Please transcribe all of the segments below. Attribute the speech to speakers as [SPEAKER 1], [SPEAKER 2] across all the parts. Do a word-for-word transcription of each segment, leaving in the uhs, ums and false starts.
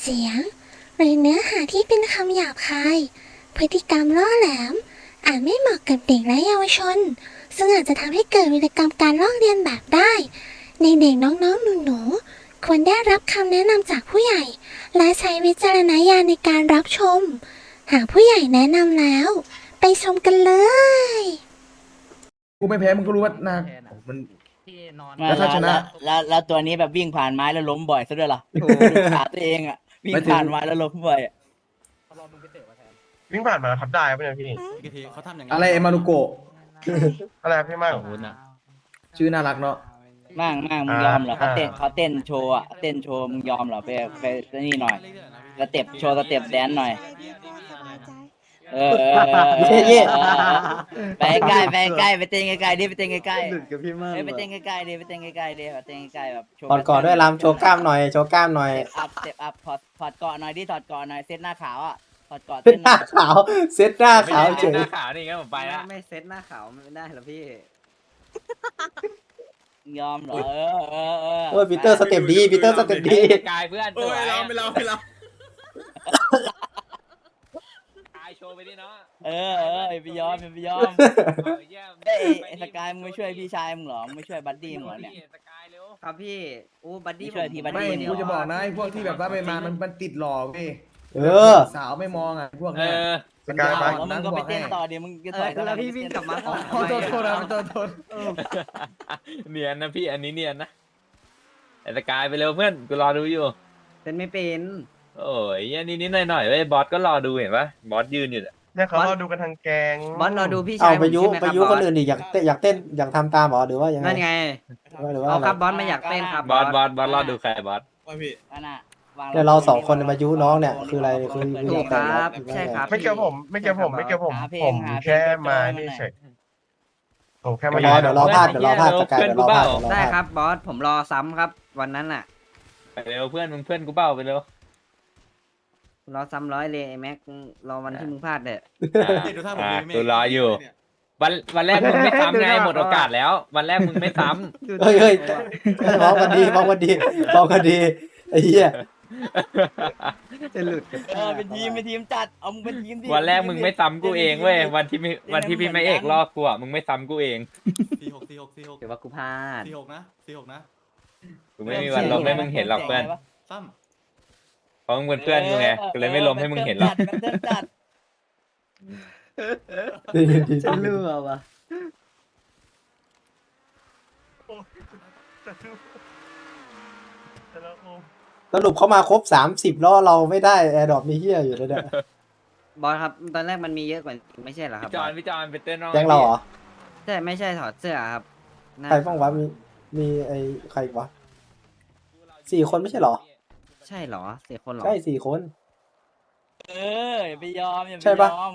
[SPEAKER 1] สียงหรือเนื้อหาที่เป็นคำหยาบคายพฤติกรรมล่อแหลมอาจไม่เหมาะกับเด็กและเยาวชนซึ่งอาจจะทำให้เกิดวิกรรมการลอกเลียนแบบได้ในเด็กน้องๆหนูๆควรได้รับคำแนะนำจากผู้ใหญ่และใช้วิจารณญาณในการรับชมหากผู้ใหญ่แนะนำแล้วไปชมกันเลย
[SPEAKER 2] กูไม่แพ้มึงก็รู้ว่านามัน
[SPEAKER 3] แล้วถ้าชนะแล้วแล้วตัวนี้แบบวิ่งผ่านไม้แล้วล้มบ่อยซะด้วยล่ะโอ้ขาตัวเองอ่ะวิ่งผ่านไม้แล้วล้มบ่อย
[SPEAKER 4] วิ่งผ่านมาทับได้ป่ะเนี่ยพี่
[SPEAKER 2] เขาทำอย่างอะไรเอมารุโกะ
[SPEAKER 4] อะไรพี่มั่ง
[SPEAKER 2] ชื่อน่ารักเนาะ
[SPEAKER 3] มั่งมั่งมึงยอมเหรอเขาเต้นเขาเต้นโชว์อ่ะเต้นโชว์มึงยอมเหรอไปไปนี่หน่อยสเต็ปโชว์สเต็ปแดนหน่อยเออไปใกล้ไปใกล้ไปเต้นใกล้ๆดิไปเต้นใกล้ๆหลุดกับพี่มั่งไปเต้นใกล้ๆดิไปเต้นใกล้ๆดิไปเต้นใกล้ๆแบบ
[SPEAKER 5] ถอดก่อนด้วยลำโชว์กล้ามหน่อยโชว์กล้ามหน่อย
[SPEAKER 3] อัพสเต็ปอัพถอดถอดเกาะหน่อยดิถอดเกาะหน่อยเซตหน้าขาวอ่ะถอดเกาะ
[SPEAKER 5] เซตหน้าขาวเซตหน้าขาวเฉย
[SPEAKER 6] หน้าขาวนี่งั้นผมไปละ
[SPEAKER 7] ไม่เซตหน้าขาวไม่ได้หรอพี่
[SPEAKER 3] ยอมเหรอเออเออเออ
[SPEAKER 5] โอ้ยปีเตอร์สเต็ปดีปีเตอร์สเต็ปดี
[SPEAKER 6] กายเพื่อน
[SPEAKER 2] ไม่เราไม่เราไม่เรา
[SPEAKER 6] กายโชว์ไปดิเนาะ
[SPEAKER 3] เออเออไปยอมไปยอมเอ้ยสกายมึงไม่ช่วยพี่ชายมึงหรอไม่ช่วยบัดดี้มึงหรอเนี่ย
[SPEAKER 6] สกายเร็ว
[SPEAKER 7] ครับพี่โอ้บัดดี้
[SPEAKER 3] ช่วยทีบัด
[SPEAKER 2] ดี้กูจะบอกนะไอ้พวกที่แบบว่าไปมามันมันติดหลอกเว้ย
[SPEAKER 5] เออ
[SPEAKER 2] สาวไม่มองอ่ะพวกเนี้ย
[SPEAKER 4] สกายไป
[SPEAKER 3] แล้วมึงก็ไปเต้นต่อเดี๋ยวมึงจะต่อย
[SPEAKER 7] แล้วพี่วิ่งกลับมา
[SPEAKER 2] โทษโทษโทษโทษโทษ
[SPEAKER 6] เนียนนะพี่อันนี้เนียนนะไอ้สกายไปเร็วเพื่อนกูรอดูอยู่
[SPEAKER 7] เต้นไม่เป็น
[SPEAKER 6] โอ้ยอันนี้นิดหน่อยหน่อยเว้ยบอสก็รอดูเห็นปะบอสยืนอยู่
[SPEAKER 4] เนี่ยเขารอดูกันทางแกง
[SPEAKER 7] บอสรอดูพี่ชา
[SPEAKER 5] เอา
[SPEAKER 7] ย
[SPEAKER 5] ไปยุไปยุคนอื่นดิอยากเต้นอยากเต้นอยากทำตามหรอหรือว่ายังไง
[SPEAKER 7] นั่นไง
[SPEAKER 5] หรือว่า
[SPEAKER 7] เอาครับบอสไม่อยากเต้นครับ
[SPEAKER 6] บอสบอสบอสรอดูใครบอส
[SPEAKER 3] ว่าพี่น่ะ
[SPEAKER 5] เดี๋ยวเราสองคนมายุน้องเนี่ยคืออะไรคือ
[SPEAKER 7] ถูกครับใช่ครับ
[SPEAKER 4] ไม่เกี่ยวผมไม่เกี่ยวผมไม่เกี่ยวผมผมแค่มานี่เฉยผมแค่มาร
[SPEAKER 5] อเดี๋ยวรอพลาดเดี๋ยวรอพลาดสกายเดี๋ยวรอพลาด
[SPEAKER 7] ได้ครับบอสผมรอซ้ำครับวันนั้นน่ะ
[SPEAKER 6] ไปเร็วเพื่อนมึงเพื่อนกูเบ้าไปเร็ว
[SPEAKER 7] รอซ้ำร้อยเลยไอ้แม็กรอวันที่มึงพลาดเด้อ
[SPEAKER 6] กูรออยู่วันวันแรกมึงไม่ซ้ำไงหมดโอกาสแล้ววันแรกมึงไม่ซ้
[SPEAKER 5] ำเฮ้ยเฮ้ยมองกันดีมองกันดีมองกันดีไอ้เหี้ย
[SPEAKER 7] จะหลุด
[SPEAKER 3] เออเป็นทีมเป็นทีมจัดเอามึงเป็นทีมดิ
[SPEAKER 6] วันแรกมึงไม่ซ้ำกูเองเว้ยวันที่วันที่พี่ไม่เอกลอกกูอ่ะมึงไม่ซ้ำกูเอง
[SPEAKER 7] สี่หกสี่หกสี่หกเดี๋ยวว่ากูพลาด
[SPEAKER 8] สี่หกนะสี่หกนะ
[SPEAKER 6] กูไม่มีวันลบให้มึงเห็นหรอกเพื่อน
[SPEAKER 8] ซ้ำ
[SPEAKER 6] เพราะมึงเป็นเพื่อนกูไงกูเลยไม่ล้มให้มึงเห็นหรอก
[SPEAKER 7] จะเลือวะ
[SPEAKER 5] สรุปเขามาครบสามสิบแล้วเราไม่ได้แอร์ดรอปมีเหี้ยอยู่เลยเนี่ย
[SPEAKER 7] บอสครับตอนแรกมันมีเยอะกว่าไม่ใช่เหรอครับ
[SPEAKER 6] พี่จอนพี่จอนเป็นเต้นน้อง
[SPEAKER 5] แก๊งเราเหรอ
[SPEAKER 7] ใช่ไม่ใช่ถอดเสื้อครับ
[SPEAKER 5] ใครบ้างวะมีมีไอ้ใครวะสี่คนไม่ใช่เหรอ
[SPEAKER 7] ใช่เหรอสี่คนเหรอ
[SPEAKER 5] ใช่สี่คน
[SPEAKER 3] เอออย่าไปยอมอย่าไปยอม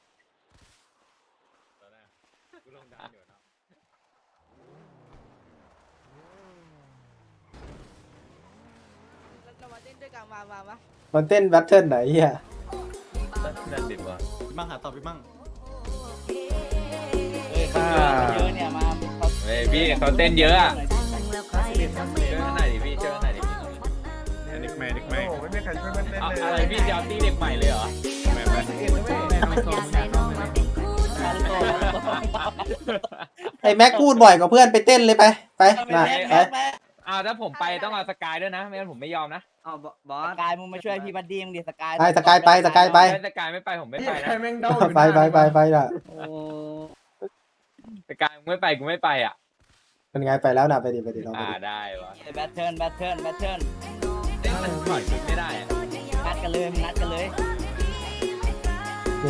[SPEAKER 5] มันเต้นแบทเทิลไหนเฮีย
[SPEAKER 6] นั่นดิวะ
[SPEAKER 8] มั่งหาตอบพี่มั่ง
[SPEAKER 3] เฮ้ยเขาเยอะเนี่ยมา
[SPEAKER 6] เฮ้ยพี่เขาเต้นเยอะอ่ะเชิญหน่อยดิพี่เชิญหน่อยดิ
[SPEAKER 4] เด็กใหม่เด็กใหม่ไม่มีใครช่วยมันเต้นเลย
[SPEAKER 6] อะไรพี่จะเอาตีเด็กใหม่เลยเหรอแม่แม่
[SPEAKER 5] ไอ้แม็กพูดบ่อยกว่าเพื่อนไปเต้นเลยไปไปมาไป
[SPEAKER 6] อ้าวถ้าผมไปต้องเอาสกายด้วยนะไม่งั้นผมไม่ยอมนะ
[SPEAKER 7] อ๋อบอส
[SPEAKER 3] สกายมึงมาช่วยพี่บัดดี้มึงดิสกาย
[SPEAKER 5] ไปสกายไปสกายไป
[SPEAKER 6] สกายไม่ไปผมไม่ไปนะ
[SPEAKER 5] ไปไปไปไปล่ะ
[SPEAKER 6] สกายมึงไม่ไปกูไม่ไปอ่ะ
[SPEAKER 5] เป็นไงไปแล้วนะไปดิไปดิเรา
[SPEAKER 6] อ่าได้วะ
[SPEAKER 3] แบทเทิลแบทเทิลแบทเทิล
[SPEAKER 6] มันปล่อยชุดไม่ได้
[SPEAKER 3] นัดกันเลยนัดกันเลย
[SPEAKER 5] นี่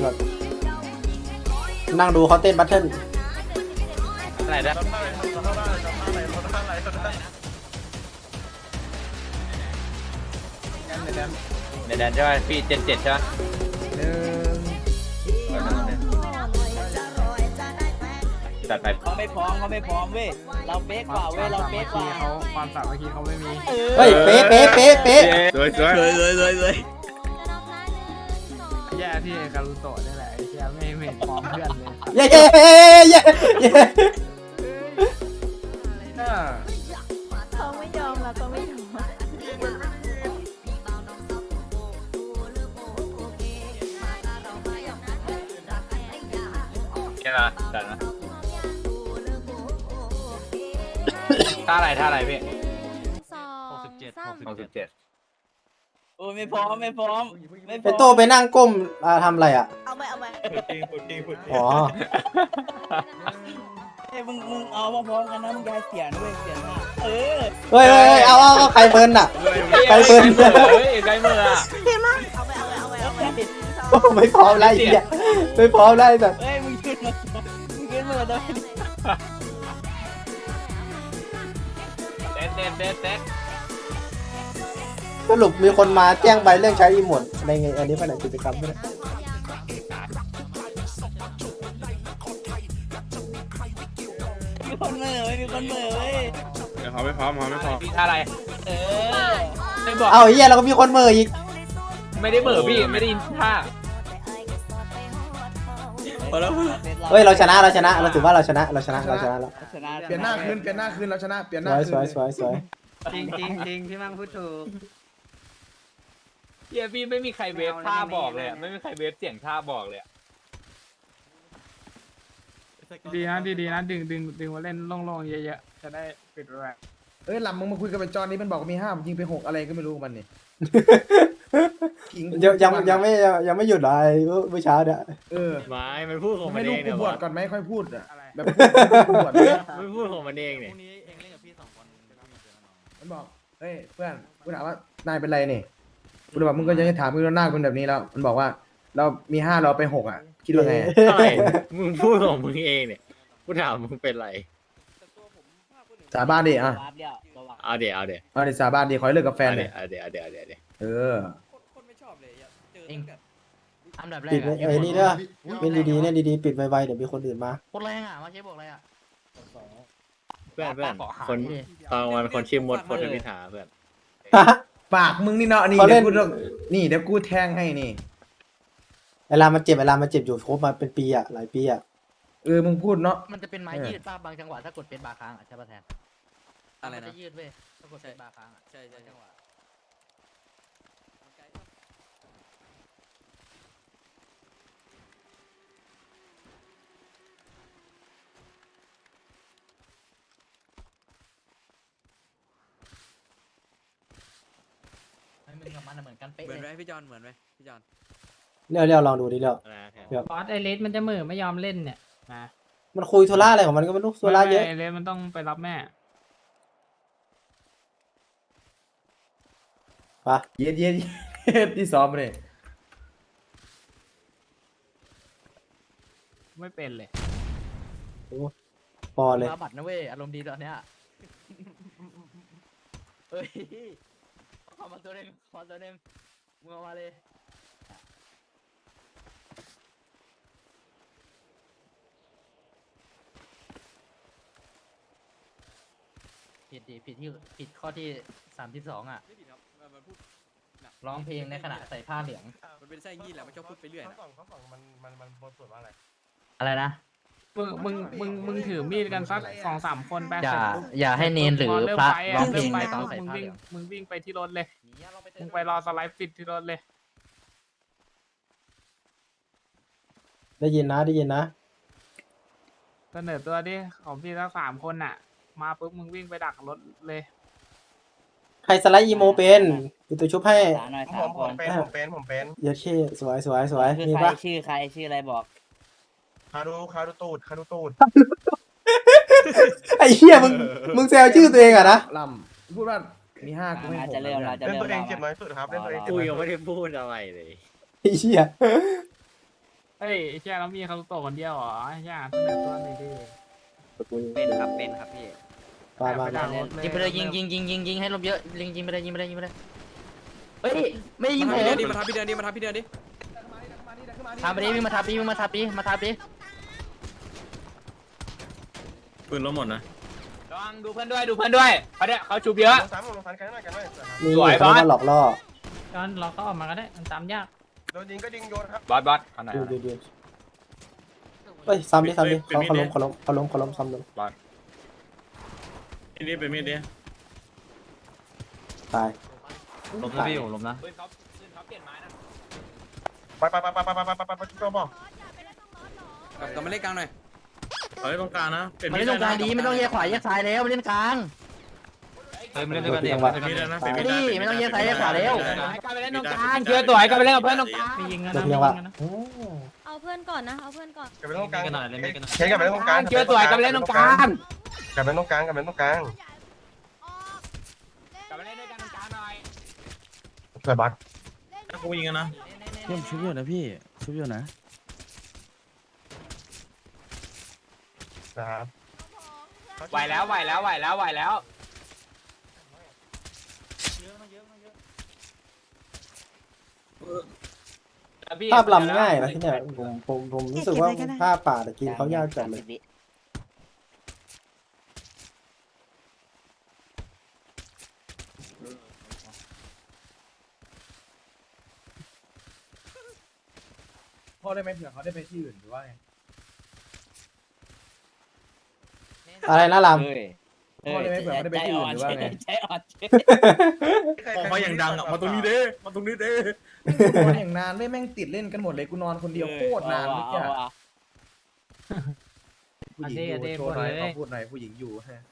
[SPEAKER 5] นั่งดูเขาเต้นแบทเทิล
[SPEAKER 6] อะไรนะในแดนใช่ไหมพี่เจ็ดเจ็ดใช่ไหมตัดไป
[SPEAKER 3] เขาไม่พร้อมเขาไม่พร้อมเว้ยเราเป๊ะกว่าเว้ยเราเป๊ะกว่า
[SPEAKER 8] เขาความสามัคคีเขาไม่มี
[SPEAKER 5] เฮ้ยเป๊ะเป๊ะเป๊ะเป๊ะ
[SPEAKER 6] สวยสวยสวยสวยสวย
[SPEAKER 8] แย่ที่การุโตะนี่แหละไอ้เชี่ยไม่ไม่พร้อมเพื่อนเลย
[SPEAKER 5] เย้เย้เย้เย้
[SPEAKER 1] เขาไม่ยอมเราก็ไม่ยอม
[SPEAKER 6] ช่ไหมจัดนะท่าอะไรท่าอะไรพี่
[SPEAKER 9] หกสิบเจ็ด
[SPEAKER 6] หกสิบเจ็ด
[SPEAKER 3] โอ้ยไม่พร้อมไม่พร้อมไม่พ
[SPEAKER 5] ไอ
[SPEAKER 3] ร้อม
[SPEAKER 5] โตไปนั่งก้มอ่าทำอะไรอ่ะ
[SPEAKER 3] เอาไปเอาไป
[SPEAKER 5] อ๋อ
[SPEAKER 3] เอ้ยมึงมึงเอามาพร้อมกันนะมึงยายเสียนะเว้ยเสียหน้าเออ
[SPEAKER 5] เฮ้ยเฮ้ยเฮ้ยเอาเอาเอาใครเบิร์นอ่ะ ไกลเกิน
[SPEAKER 6] เฮ้ยไกลเมื่ออะ
[SPEAKER 3] เอาไปเอาไปเอาไปเอาไป
[SPEAKER 5] โอ้ไม่พร้อมแล้วไอ้เหี้ยไม่พร้อมแล้วไอ้สัส
[SPEAKER 3] เฮ้ยมึงขึ้นมามึงขึ้นมาได้
[SPEAKER 6] เต้นเต้นเต้นเต้น
[SPEAKER 5] สรุปมีคนมาแจ้งใบเรื่องใช้อีโมดในไงอันนี้เป็นกิจกรรมใช่ไหม
[SPEAKER 3] มีคนเหม่อเว้ยมีคนเหม่อเว้ย
[SPEAKER 6] เดี๋ยวเขาไม่พร้อมเขาไม่พร้อมพี่ท่าอะไร
[SPEAKER 3] เออ
[SPEAKER 6] ไม่บอก
[SPEAKER 5] เอาไอ้เหี้ยเราก็มีคนเมออีก
[SPEAKER 6] ไม่ได้เบื่อพี่ไม่ได้ยินท่า
[SPEAKER 5] เฮ้ยเราชนะเราชนะเราถือว่าเราชนะเราชนะเราชนะแล้ว
[SPEAKER 3] ชนะ
[SPEAKER 2] เปลี่ยนหน้าคืนเปลี่ยนหน้าคืนเราชนะเปลี่ยนห
[SPEAKER 5] ส
[SPEAKER 2] น้า
[SPEAKER 5] วย
[SPEAKER 2] คื
[SPEAKER 5] สวยสวยสวย
[SPEAKER 7] จริงจริงจริงพี่มั่งพูดถูก
[SPEAKER 6] เฮียพี่ไม่มีใครเวฟท่าบอกเลยอะไม่มีใครเวฟเสียงท่าบอกเลยอะ
[SPEAKER 8] ดีนะดีดีนะดึงดึงดึงมาเล่นโล่งๆเยอะๆจะได้ปิดแรก
[SPEAKER 2] เอ้ยลำมึงมาคุยกับไอ้จอนนี่มันบอกว่ามีห้ายิงไปหกอะไรก็ไม่รู้มันนี่
[SPEAKER 5] ยังยังยังไม่ยังไม่หยุดเหรอไอ้เมื่อเช้าเนี่ย
[SPEAKER 2] เออ
[SPEAKER 6] ไม่มันพูดของมั
[SPEAKER 2] ไม่
[SPEAKER 6] นเอ
[SPEAKER 2] รู้
[SPEAKER 6] ง
[SPEAKER 2] กู
[SPEAKER 6] เนี่ย
[SPEAKER 2] บวชก่อนไหมค่อยพูดอ่ะ
[SPEAKER 8] อะไร
[SPEAKER 2] แบบกูบวชเนี่ย
[SPEAKER 6] ไม่พูดของมันเองเนี่ย
[SPEAKER 2] มันบอกเฮ้ยเพื่อนกูถามว่านายเป็นไรนี่กูเลยบอกมึงก็ยังจะถามมึงหน้ามึงแบบนี้แล้ว มันบอกว่า เรามีห้าเราไปหกอ่ะ คิดว่าไง
[SPEAKER 6] อะไรมึงพูดของมึงเองเนี่ยกูถามมึงเป็นไร
[SPEAKER 2] สาบานดิอ่ะ
[SPEAKER 3] วาร์ปเดียวตัววาร์ป
[SPEAKER 6] เอาเดี๋ยวเอาเดี๋ยว
[SPEAKER 2] เอาดิสาบานดิขอให้เลิกกับแฟน
[SPEAKER 6] เอา
[SPEAKER 2] เล
[SPEAKER 6] เดี๋ย
[SPEAKER 2] ยว
[SPEAKER 6] เอาเดี๋ยวเอาเดี๋ยวเอาเดี๋ยว
[SPEAKER 2] เออ
[SPEAKER 8] อันดับแร
[SPEAKER 5] ปิ
[SPEAKER 8] ก
[SPEAKER 5] ดไว้ไอ้นี่เด้อเป็นดีๆเนี่ยดีๆปิดไวๆเดี๋ยวมีคนอื่นมา
[SPEAKER 8] โคตรแรงอ่ะมาเชฟบอกอะไรอ่ะ
[SPEAKER 6] เพื่อนเพื่อนคนตอนวันคนชื่อมดคนเป็นพิธาเพื่อน
[SPEAKER 2] ปากมึงนี่เนาะนี่
[SPEAKER 5] เขาเล่
[SPEAKER 2] เดี๋ย
[SPEAKER 5] น
[SPEAKER 2] วกูต้องนี่เดี๋ยวกูแทงให้นี่
[SPEAKER 5] เวลามันเจ็บเวลามันเจ็บอยู่ครบมาเป็นปีอ่ะหลายปีอ่ะ
[SPEAKER 2] เออมึงพูดเนาะ
[SPEAKER 8] มันจะเป็นไม้
[SPEAKER 2] เออ
[SPEAKER 8] ยืดป้าบางจังหวะถ้ากดเป็นบาร์ค้างอ่ะใช่ป่ะแทนอะไรนะจะยืดเว้ยถ้ากดเป็นบาร์ค้างอ่ะใช่ใช่จังหวะ ให้มึงกับมันเหมือนกันเป๊ะ
[SPEAKER 9] เหมือนไหม
[SPEAKER 8] เลย
[SPEAKER 9] พี่จอนเหมือนไหมพี่จอน
[SPEAKER 5] เรียวเรียวลองดูดิเรียว
[SPEAKER 6] อะไรนะแทน
[SPEAKER 8] บอสไอเลสมันจะเหม่อไม่ยอมเล่นเนี่ยนะ
[SPEAKER 5] มันคุยโทรล่าอะไรของมันก็ไม่รู้โทรล่าเยอะ
[SPEAKER 8] ไอเลสมันต้องไปรับแม่
[SPEAKER 5] ปะ
[SPEAKER 2] เย็ดเย็ดเย็ดที่ซ้อมมาเลย
[SPEAKER 8] ไม่เป็นเลย
[SPEAKER 5] พอเลย
[SPEAKER 8] มาบัตรนะเว้ยอารมณ์ดีตอนเนี้ยเฮ้ยขอมาตัวหนึงขอตัวหนึงมึงเอามาเลยผิดดิผิดที่ผิดข้อที่สามที่สองอ่ะ
[SPEAKER 9] ไม่ผิดครับมันมันพูดหนัก
[SPEAKER 8] ร้องเพลงในขณะใส่ผ้าเหลือง
[SPEAKER 9] มันเป็นไส้งี้แหละมันชอบพูดไปเรื่อย
[SPEAKER 4] ข้อ
[SPEAKER 9] นะ
[SPEAKER 4] สองข้อสองมันมันมันบทสวดว่าอะไร
[SPEAKER 8] อะไรนะ มึง มึง มึง มึงถือมีดกันสักสองสามคนไป
[SPEAKER 7] อย่า
[SPEAKER 8] เสร็จปุ๊บ
[SPEAKER 7] อย่าให้เนนหรือ
[SPEAKER 8] พอเม
[SPEAKER 7] พระ
[SPEAKER 8] ไฟ
[SPEAKER 7] ร้อง
[SPEAKER 8] อะ
[SPEAKER 7] เพลง
[SPEAKER 8] เริ่มไป
[SPEAKER 7] ในตอน
[SPEAKER 8] ปุ๊บ
[SPEAKER 7] ใส่
[SPEAKER 8] มึง
[SPEAKER 7] ผ้าเห
[SPEAKER 8] วิ่
[SPEAKER 7] ลื
[SPEAKER 8] ง
[SPEAKER 7] อง
[SPEAKER 8] มึงวิ่งไปที่รถเลย มึงไปรอสไลด์ปิดที่รถเลย
[SPEAKER 5] ได้ยินนะได้ยินนะ
[SPEAKER 8] เสนอตัวดิของพี่ทั้งสามคนน่ะ มาปุ๊บมึงวิ่งไปดักรถเลย
[SPEAKER 5] ใครสไลด์อีโมเป็นปิดตัวชุบให้
[SPEAKER 3] สามหน่อย
[SPEAKER 4] ผ
[SPEAKER 3] สาม
[SPEAKER 4] ม
[SPEAKER 3] ค
[SPEAKER 4] ผม
[SPEAKER 3] น
[SPEAKER 4] เป็นผมเป็นผมเป็น
[SPEAKER 5] เยอะเช่สวยสวยสวย
[SPEAKER 3] คือ
[SPEAKER 5] มี
[SPEAKER 3] ใคร
[SPEAKER 5] ปะ
[SPEAKER 3] ชื่อใครชื่ออะไรบอก
[SPEAKER 4] คาดูคาดูตูดคาดูตูด
[SPEAKER 5] ไอ้เหี้ยมึงมึงแซวชื่อตัวเองอะนะ
[SPEAKER 2] ลำพูดว่ามีห้ากูให้ห
[SPEAKER 3] อาจ
[SPEAKER 2] ก
[SPEAKER 3] จะเริ่มเราจะ
[SPEAKER 4] เล่น
[SPEAKER 3] เริ่ม
[SPEAKER 4] ตัวเอง
[SPEAKER 3] เรา
[SPEAKER 4] เจ็บน้อยสุดครับเล่นตัวเองเจ็บ
[SPEAKER 6] กู
[SPEAKER 4] น้อย
[SPEAKER 6] ยัง
[SPEAKER 4] สุ
[SPEAKER 6] ไม่
[SPEAKER 4] ด
[SPEAKER 6] ได้พูดอะไรเลย
[SPEAKER 5] ไอ้เหี้ย
[SPEAKER 8] เฮ้ยไอ้เชี่ยแล้วมีคารุโตะคนเดียวเหรอไอ้เชี่ยเสนอตัวหน่อยดิ
[SPEAKER 7] เป็นครับเป็นครับพี่
[SPEAKER 5] มามา
[SPEAKER 8] ไปดั
[SPEAKER 5] มาก
[SPEAKER 8] รถเลย
[SPEAKER 7] ยิงไปเลยยิงยิงยิงยิงยิงให้ลมเยอะยิงยิงไปเลยยิงไปเลยยิงไปเลยเฮ้ยไม่ได้ยิง
[SPEAKER 9] มา
[SPEAKER 7] ผม
[SPEAKER 9] ทับพี่เดินดิมาทับพี่เดินดิมาทับพี่เดินดิ
[SPEAKER 7] ทำไปดิวิ่งมาทับดิวิ่งมาทับดิมาทับดิ
[SPEAKER 6] ปืนล้มหมดนะลองดูเพื่อนด้วยดูเพื่อนด้วยเขาเนี่ยเขาชูเยอะ
[SPEAKER 4] ลงสามลงสามกันหน่อยกันหน่อย
[SPEAKER 5] นี่
[SPEAKER 6] สวย
[SPEAKER 5] เขา
[SPEAKER 6] บอส
[SPEAKER 5] มาหลอกล่อ
[SPEAKER 8] จอนเราก็ออกมาก็ได้มันตามยาก
[SPEAKER 4] โดนยิงก็ยิงโยนครับ
[SPEAKER 6] บอสบอสเอาไหน
[SPEAKER 5] ดูดูดูเฮ้ยซ้ำดิซ้ำดิเขาเขาล้มเขาล้มเขาล้มเขาล้มซ้ำลง
[SPEAKER 6] นี่เป็นมีดดิ
[SPEAKER 5] ตาย
[SPEAKER 7] ล้มนะพี่ผมล้มนะ
[SPEAKER 6] ปืนเขาปืนเขาเปลี่ยนไม้นะ
[SPEAKER 4] ไปไปไปไปไปไปไปไปไปจุดตัวบอก
[SPEAKER 9] กลับกลับมาเล่นกลางหน่อย
[SPEAKER 10] เฮ้ยตรงกลางนะเป็น
[SPEAKER 3] มาเล่นตรงกลางดีไม่ต้องแยกขวาแยกซ้ายแล้วมาเล่นกลาง
[SPEAKER 6] เฮ้ยไม่เล่นด้วยกันดิ
[SPEAKER 5] จังหวะ
[SPEAKER 10] เป็นมีดนะเป็น
[SPEAKER 3] ไม่
[SPEAKER 10] มีด
[SPEAKER 3] ดีไม่ต้องแยกซ้ายแยกขวาแล้ว
[SPEAKER 6] กลับไปเล่นตรงกลางเชื่อตัวไอ้กลับไปเล่นกับเพื่อนตรงกลาง
[SPEAKER 5] จบยังวะโอ้
[SPEAKER 11] เอาเพื่อนก่อนนะ เอาเพื่อนก่อน
[SPEAKER 4] กลับไปตรงกลางเช็คกลับไปตรงกลาง
[SPEAKER 6] เชื่อตัวไอ้กลับไปเล่นตรงกลาง
[SPEAKER 4] กลับไปตรงกลางกลับไปตรงกลาง
[SPEAKER 6] กลับไปเล่นด้วยกันตรงกลางหน่อย
[SPEAKER 4] สวยบัก
[SPEAKER 10] กูยิงกันนะ
[SPEAKER 12] เยี่ยมชุบอยู่นะพี่ชุบอยู่นะ
[SPEAKER 4] นะครับ
[SPEAKER 6] ไหวแล้วไหวแล้วไหวแล้วไหวแล้ว
[SPEAKER 5] ภาพลำง่ายนะที่เนี่ยผมผมผมรู้สึกว่าภาพป่าตะกี้เขายากจัดเลย
[SPEAKER 2] พ่อได้ไหมเผื่อเขาได้ไปที่อื่นหรือว่าไง
[SPEAKER 5] อะไรนะลำ
[SPEAKER 3] เฮ้ย
[SPEAKER 2] พ่อได้ไหมเผื่อเขาได้ไปที่อื่นหรือว่าไง
[SPEAKER 3] ใจอ่อน
[SPEAKER 10] ออกมาอย่างดังอ่ะมาตรงนี้เด้มาตรงนี้เด้
[SPEAKER 2] กูนอนอย่างนานเลยแม่งติดเล่นกันหมดเลยกูนอนคนเดียวโคตรนานเมื่อกี้อะผู้หญิงอยู่โชว์หน่อยขอพูดหน่อยผู้หญิงอยู่ฮะ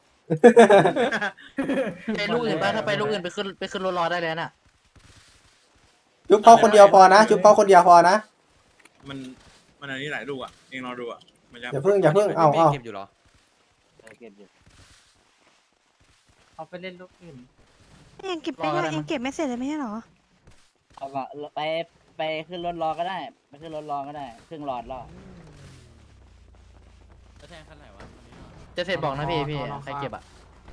[SPEAKER 3] ไปลูกอื่นบ้างถ้าไปลูกอื่นไปขึ้นไปขึ้นรถรอได้เลยน่ะ
[SPEAKER 5] จุ๊บพ่อคนเดียวพอนะจุ๊บพ่อคนเดียวพอนะ
[SPEAKER 10] มันมันอันนี้หลายลูกอ่ะเองรอดูอ่ะมันจะ
[SPEAKER 5] อย่าเพิ่งอย่าเพิ่งเอาเอา
[SPEAKER 9] เก็บอยู่เหรอ
[SPEAKER 3] เก็บอยู่
[SPEAKER 8] เอาไปเล่นลูกอื่น
[SPEAKER 11] ยังเก็บไม่ได้ยังเก็บไม่เสร็จเลยไม่ใช่หรอ
[SPEAKER 3] เอาก็ไปไปขึ้นรถรอก็ได้ไปขึ้นรถรอก็ได้ครึ่งหลอดรอจะเสร็จบอกนะพี่พี่ใครเก็บอ่ะ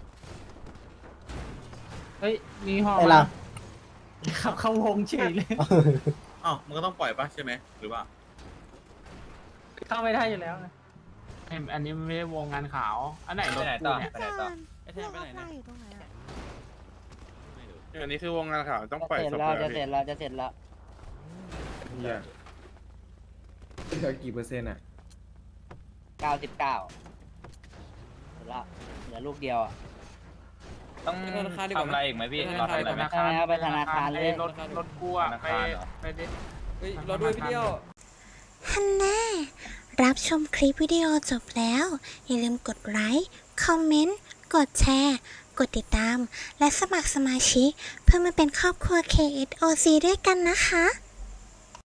[SPEAKER 8] เฮ้ย มีห่อ
[SPEAKER 5] ไอ้
[SPEAKER 8] มา
[SPEAKER 5] ลำ
[SPEAKER 8] ขับเข้าวงเฉยเลย
[SPEAKER 10] อ้าวมันก็ต้องปล่อยปะใช่ไหมหรือว่า
[SPEAKER 8] เข้าไม่ได้อยู่แล้วนะไอ้อันนี้มันไม่ได้วงงานขาว อันไหนรถกูเนี่ย
[SPEAKER 6] ไปไหนต่อ
[SPEAKER 11] ไอ้แทนไปไหนนะอยู่ตรงไหนอะ
[SPEAKER 10] อันนี้คือวงงานข่าวต้องปล่อย
[SPEAKER 3] จะเสร็จแล้วจะเสร็จแล้วจะเสร็จแล้ว
[SPEAKER 2] เหี้ยเหลือกี่เปอร์เซ็นต์อ่ะ
[SPEAKER 3] เก้าสิบเก้าเสร็จแล้วเหลือลูกเดียวอ่ะ
[SPEAKER 6] ต้องทำอะไรอีกไหมพี่เราทำอะไรไหม
[SPEAKER 3] ธนาคารไปธนาคารเลย
[SPEAKER 8] ไอ้รถรถกูอะ
[SPEAKER 6] ธนา
[SPEAKER 8] ไป
[SPEAKER 6] คารเหรอ
[SPEAKER 8] ไปดิ
[SPEAKER 9] เฮ้ยรอด้วยพี่เดียว
[SPEAKER 1] ฮันแน่รับชมคลิปวิดีโอจบแล้ว อย่าลืมกดไลค์ คอมเมนต์ กดแชร์ กดติดตาม และสมัครสมาชิก เพื่อมาเป็นครอบครัว เค เอส โอ ซี ด้วยกันนะคะ